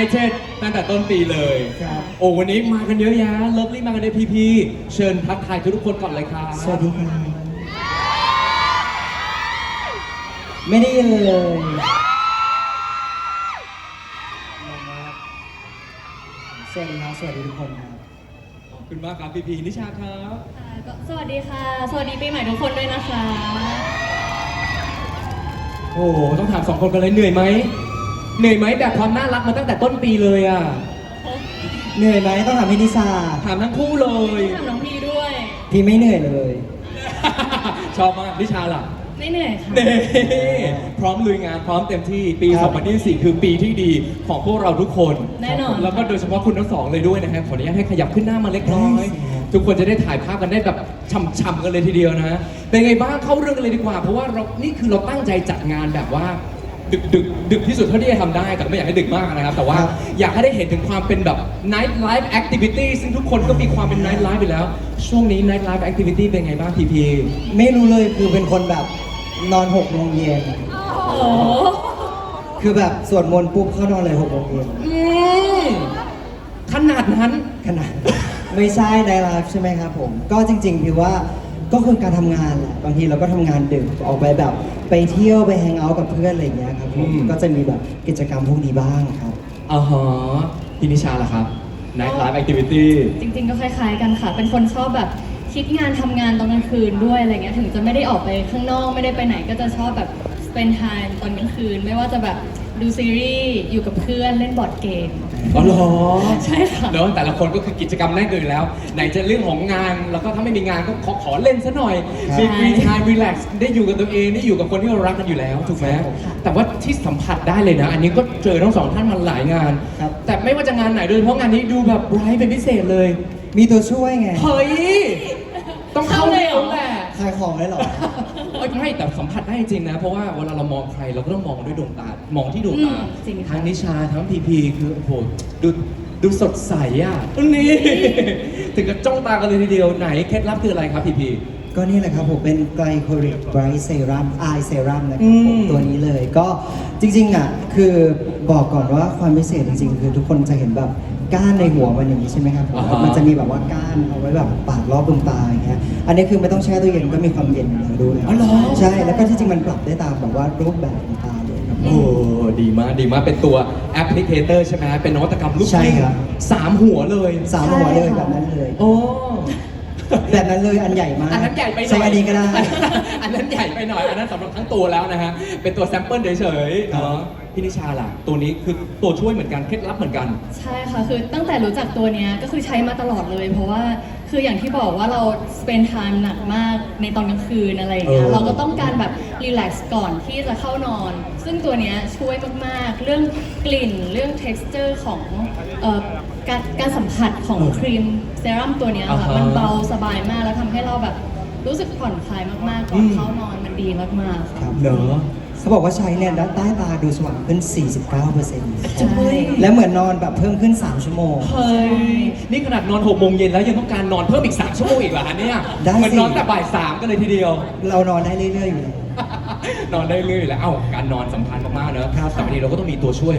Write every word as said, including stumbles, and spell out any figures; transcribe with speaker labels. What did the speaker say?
Speaker 1: United ตั้งแต่ต้นปีเลย
Speaker 2: ครับ
Speaker 1: โอ้วันนี้มากันเยอะแยะเลิฟลี่มากันในพีพีเชิญทักทายทุกๆคนก่อนเลยครับ
Speaker 2: สวัสดีครับไม่ได้ยินเลยสวัสดีครับสวัสดีทุกคนครับ
Speaker 1: ขอบคุณมากครับพีพีนิชาครับ
Speaker 3: ค่ะก็สวัสดีค่ะ สวัสดีปีใหม่ทุกคนด้วยนะคะ
Speaker 1: โอ้โหต้องถามสองคนกันเลยเหนื่อยไหมเหนื่อยไหมแบบความน่ารักมาตั้งแต่ต้นปีเลยอ่ะ
Speaker 2: เหนื่อยไหมต้องถามพี่นิสา
Speaker 1: ถามทั้งคู่เลย
Speaker 3: ถามน้องพีด้วย
Speaker 2: พี่ไม่เหนื่อยเลย
Speaker 1: ชอบมากนิชาล่ะ
Speaker 3: ไม่เหนื่อยค่ะ
Speaker 1: เน่พร้อมลุยงานพร้อมเต็มที่ปี
Speaker 2: ครับ
Speaker 1: สองพันยี่สิบสี่ คือปีที่ดีของพวกเราทุกคน
Speaker 3: แน่นอน
Speaker 1: แล้วก็โดยเฉพาะคุณทั้งสองเลยด้วยนะฮะขออนุญาตให้ขยับขึ้นหน้ามาเล็กน้อย ทุกคนจะได้ถ่ายภาพกันได้แบบช่ำๆกันเลยทีเดียวนะ เป็นไงบ้างเข้าเรื่องกันเลยดีกว่า เพราะว่าเรานี่คือเราตั้งใจจัดงานแบบว่า ดึกดึกดึกที่สุดเท่าที่จะทำได้แต่ไม่อยากให้ดึกมากนะครับ แต่ว่า
Speaker 2: ครับ
Speaker 1: อยากให้ได้เห็นถึงความเป็นแบบ night life activity ซึ่งทุกคนก็มีความเป็น night life ไปแล้ว ช่วงนี้ night life activity เป็นไงบ้างพีพี
Speaker 2: ไม่รู้เลยคือเป็นคนแบบนอนหกโมงเย็น
Speaker 3: โอ้โห
Speaker 2: คือแบบสวดมนต์ปุ๊บเข้านอนเลยหกโมงเย็น
Speaker 1: อืมขนาดนั้น
Speaker 2: ขนาด ไม่ใช่ในไลฟ์ใช่ไหมครับผม ก็จริงๆพี่ว่าก็คือการทำงานแหละบางทีเราก็ทำงานดึกออกไปแบบไปเที่ยวไปแฮงเอาท์กับเพื่อนอะไรอย่างเงี้ยครับผม
Speaker 1: อืม
Speaker 2: ก็จะมีแบบกิจกรรมพวกนี้บ้างครับ
Speaker 1: อ่าฮะพี่นิชาล่ะครับ night life activity
Speaker 3: จริงๆก็คล้ายๆกันค่ะ เป็นคนชอบแบบคิดงานทำงานตอนกลางคืนด้วยอะไรเงี้ย ถึงจะไม่ได้ออกไปข้างนอกไม่ได้ไปไหนก็จะชอบแบบ spend time ตอนกลางคืน ไม่ว่าจะแบบดูซีรีส์อยู่กับเพื่อนเล่นบอร์ดเกม
Speaker 1: อ๋อเหรอ
Speaker 3: ใช่ค่ะ
Speaker 1: เนอะแต่ละคนก็คือกิจกรรมแน่นกันอยู่แล้ว ไหนจะเรื่องของงาน แล้วก็ถ้าไม่มีงานก็ขอขอเล่นซะหน่อย
Speaker 2: ครับ
Speaker 1: มี free time relax ได้อยู่กับตัวเอง ได้อยู่กับคนที่เรารักกันอยู่แล้ว ถูกไหม
Speaker 3: ค่ะ
Speaker 1: แต่ว่าที่สัมผัสได้เลยนะ อันนี้ก็เจอทั้งสองท่านมาหลายงาน
Speaker 2: ครับ
Speaker 1: แต่ไม่ว่าจะงานไหนโดยเฉพาะงานนี้ดูแบบไบรท์เป็นพิเศษเลย
Speaker 2: มีตัวช่วยไง
Speaker 1: เฮ้ย ต้องเข้าเร็วแหละ
Speaker 2: ขายของได้เหรอ
Speaker 1: เอ้ยไม่แต่สัมผัสได้จริงนะ เพราะว่าเวลาเรามองใครเราก็ต้องมองด้วยดวงตามองที่ดวงตา
Speaker 3: อืมจริงค่ะ
Speaker 1: ทั้งนิชาทั้งพีพีคือโอ้โหดูดูสดใสอ่ะนี่ ถึงกับจ้องตากันเลยทีเดียวไหนเคล็ดลับคืออะไรครับพีพี
Speaker 2: ก็นี่แหละครับผมเป็นไกลโคลิกไบรท์เซรั่มไอเซรั่มนะค
Speaker 1: อื
Speaker 2: รับผม
Speaker 1: ม
Speaker 2: ตัวนี้เลยก็จริงๆอ่ะคือบอกก่อนว่าความพิเศษจริงๆ คือทุกคนจะเห็นแบบก้านในหัวมันอย่างนี้ใช่ไหมครับผม
Speaker 1: อ่าฮะ
Speaker 2: มันจะมีแบบว่าก้านเอาไว้แบบปาดรอบดวงตาอย่างเงี้ยอันนี้คือไม่ต้องแช่ตู้เย็นก็มีความเย็นอยู่แล้วด้วย
Speaker 1: อ๋อเหรอ
Speaker 2: ใช่แล้วก็ที่จริงมันปรับได้ตามแบบว่ารูปแบบของตาเลยครับ
Speaker 1: โอ้ดีมากดีมากเป็นตัวแอปพลิเคเตอร์ใช่ไหมเป็นนวัตกรรมลูก
Speaker 2: ใช่
Speaker 1: กลิ้ง
Speaker 2: ครับ
Speaker 1: สามหัวเลย
Speaker 2: สามหัวเลย
Speaker 3: ใช่ค่ะ
Speaker 2: แบบนั้นเลย
Speaker 1: โอ้
Speaker 2: แบบนั้นเลยอันใหญ่มาก
Speaker 1: อันนั้นใหญ่ไปหน่อย
Speaker 2: ใช้อันนี้ก็ได้
Speaker 1: อันนั้นใหญ่ไปหน่อย อันนั้นสำหรับทั้งตัวแล้วนะฮะ เป็นตัวแซมเปิลเฉยๆเนาะพี่นิชาล่ะ ตัวนี้คือตัวช่วยเหมือนกันเคล็ดลับเหมือนกัน
Speaker 3: ใช่ค่ะ คือตั้งแต่รู้จักตัวเนี้ยก็คือใช้มาตลอดเลย เพราะว่าคืออย่างที่บอกว่าเรา spend time หนักมากในตอนกลางคืนอะไรอย่างเงี้
Speaker 1: เอย อ
Speaker 3: เราก็ต้องการแบบ relax ก่อนที่จะเข้านอน ซึ่งตัวเนี้ยช่วยมากๆ เรื่องกลิ่น เรื่อง texture ของเอ่อการการสัมผัสของครีมเซรั่มตัวเนี้ยค่ะ มันเบาสบายมากแล้วทำให้เราแบบรู้สึกผ่อนคลายมากๆ ก่อนเข้านอนมันดีมากๆ
Speaker 2: ค
Speaker 3: ค่ะ
Speaker 2: รับ
Speaker 1: เนอะ
Speaker 2: เขาบอกว่าใช้เนี่ยใต้ตาดูสว่างขึ้น สี่สิบเก้าเปอร์เซ็นต์
Speaker 3: ใช่
Speaker 2: และเหมือนนอนแบบเพิ่มขึ้น สาม ชั่วโมง
Speaker 1: เฮ้ย นี่ขนาดนอนหกโมงเย็นแล้วยังต้องการนอนเพิ่มอีกสามชั่วโมงอีกเหรอฮะเนี่ย
Speaker 2: ได้สิ
Speaker 1: เหมันนอนแต่บ่ายสามกันเลยทีเดียว
Speaker 2: เรานอนได้เรื่อยๆอยู่แล้ว
Speaker 1: นอนได้เรื่อยๆแล้ว เอ้า การนอนสำคัญมากๆเนอะ
Speaker 2: ครับ
Speaker 1: แต่บางทีเราก็ต้องมีตัวช่วย